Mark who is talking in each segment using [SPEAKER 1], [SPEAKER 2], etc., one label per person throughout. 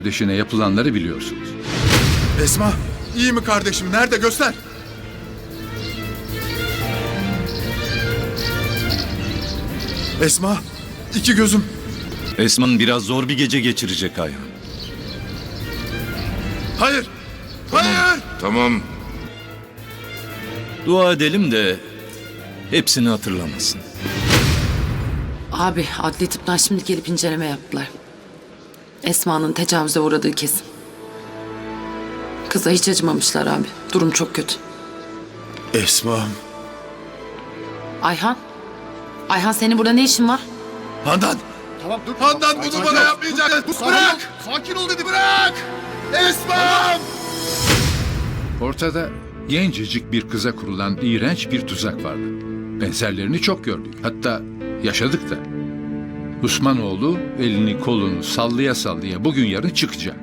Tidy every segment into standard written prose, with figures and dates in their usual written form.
[SPEAKER 1] Kardeşine yapılanları biliyorsunuz.
[SPEAKER 2] Esma, iyi mi kardeşim? Nerede? Göster. Esma, iki gözüm.
[SPEAKER 3] Esma'nın biraz zor bir gece geçirecek Ayhan.
[SPEAKER 2] Hayır, hayır.
[SPEAKER 4] Tamam.
[SPEAKER 3] Dua edelim de hepsini hatırlamasın.
[SPEAKER 5] Abi adli tıptan şimdi gelip inceleme yaptılar. Esma'nın tecavüze uğradığı kesin. Kıza hiç acımamışlar abi. Durum çok kötü.
[SPEAKER 2] Esma.
[SPEAKER 5] Ayhan. Ayhan senin burada ne işin var?
[SPEAKER 2] Handan.
[SPEAKER 6] Tamam dur.
[SPEAKER 2] Handan bunu bana yapmayacaksın. Bırak.
[SPEAKER 6] Sakin ol dedim.
[SPEAKER 2] Bırak. Esma.
[SPEAKER 1] Ortada gencecik bir kıza kurulan iğrenç bir tuzak vardı. Benzerlerini çok gördük. Hatta yaşadık da. Osmanoğlu elini kolunu sallaya sallaya bugün yarın çıkacak.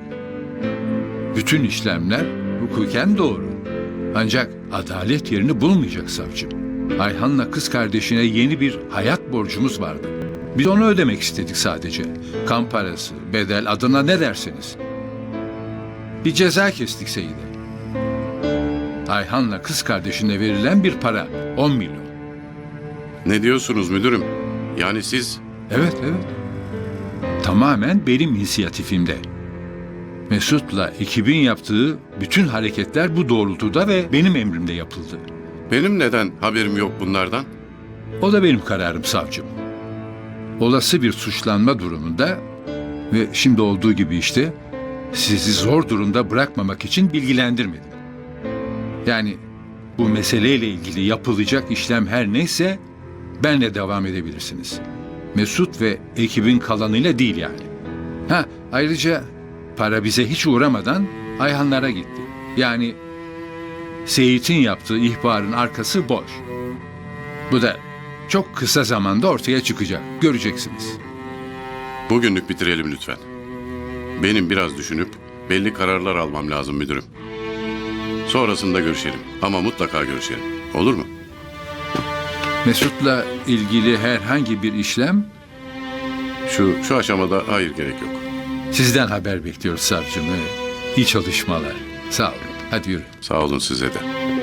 [SPEAKER 1] Bütün işlemler hukuken doğru. Ancak adalet yerini bulmayacak savcım. Ayhan'la kız kardeşine yeni bir hayat borcumuz vardı. Biz onu ödemek istedik sadece. Kan parası, bedel, adına ne derseniz. Bir ceza kestik Seyide. Ayhan'la kız kardeşine verilen bir para, 10 milyon.
[SPEAKER 4] Ne diyorsunuz müdürüm? Yani siz...
[SPEAKER 1] Evet. Tamamen benim inisiyatifimde. Mesut'la ekibin yaptığı bütün hareketler bu doğrultuda ve benim emrimde yapıldı.
[SPEAKER 4] Benim neden haberim yok bunlardan?
[SPEAKER 1] O da benim kararım savcım. Olası bir suçlanma durumunda ve şimdi olduğu gibi işte sizi zor durumda bırakmamak için bilgilendirmedim. Yani bu meseleyle ilgili yapılacak işlem her neyse benle devam edebilirsiniz. Mesut ve ekibin kalanıyla değil yani. Ayrıca para bize hiç uğramadan Ayhanlara gitti. Yani Seyit'in yaptığı ihbarın arkası boş. Bu da çok kısa zamanda ortaya çıkacak. Göreceksiniz.
[SPEAKER 4] Bugünlük bitirelim lütfen. Benim biraz düşünüp belli kararlar almam lazım müdürüm. Sonrasında görüşelim ama mutlaka görüşelim. Olur mu?
[SPEAKER 1] Mesut'la ilgili herhangi bir işlem
[SPEAKER 4] Şu aşamada hayır, gerek yok.
[SPEAKER 1] sizden haber bekliyoruz savcım. İyi çalışmalar. Sağ olun. Hadi yürü.
[SPEAKER 4] Sağ olun size de.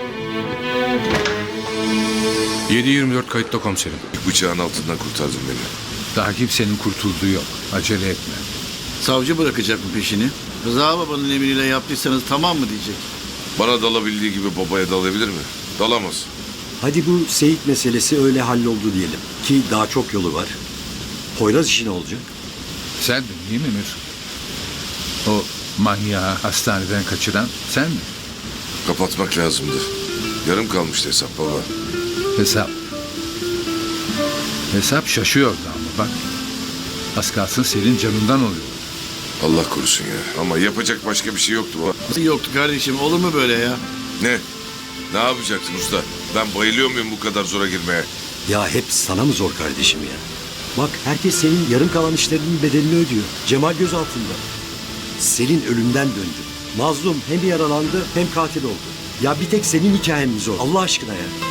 [SPEAKER 7] 7/24 kayıtta komiserim. Bıçağın altından kurtardın beni.
[SPEAKER 1] Daha kimsenin kurtulduğu yok. Acele etme.
[SPEAKER 6] Savcı bırakacak mı peşini? Rıza babanın emriyle yaptıysanız tamam mı diyecek.
[SPEAKER 7] Bana dalabildiği gibi babaya dalabilir mi? Dalamaz.
[SPEAKER 8] Hadi bu Seyit meselesi öyle halloldu diyelim. Ki daha çok yolu var. Poyraz işi ne olacak?
[SPEAKER 1] Sen de değil mi Mesut? O manyağı hastaneden kaçıran sen mi?
[SPEAKER 7] Kapatmak lazımdı. Yarım kalmıştı hesap baba.
[SPEAKER 1] Hesap şaşıyordu ama bak. Az kalsın senin canından oluyor.
[SPEAKER 7] Allah korusun ya. Ama yapacak başka bir şey yoktu baba.
[SPEAKER 6] Nasıl yoktu kardeşim? Olur mu böyle ya?
[SPEAKER 7] Ne? Ne yapacaktın usta? Ben bayılıyor muyum bu kadar zora girmeye?
[SPEAKER 8] Ya hep sana mı zor kardeşim ya? Bak herkes senin yarım kalan işlerinin bedelini ödüyor. Cemal gözaltında. Selin ölümden döndü. Mazlum hem yaralandı hem katil oldu. Ya bir tek senin hikayen mi zor? Allah aşkına ya.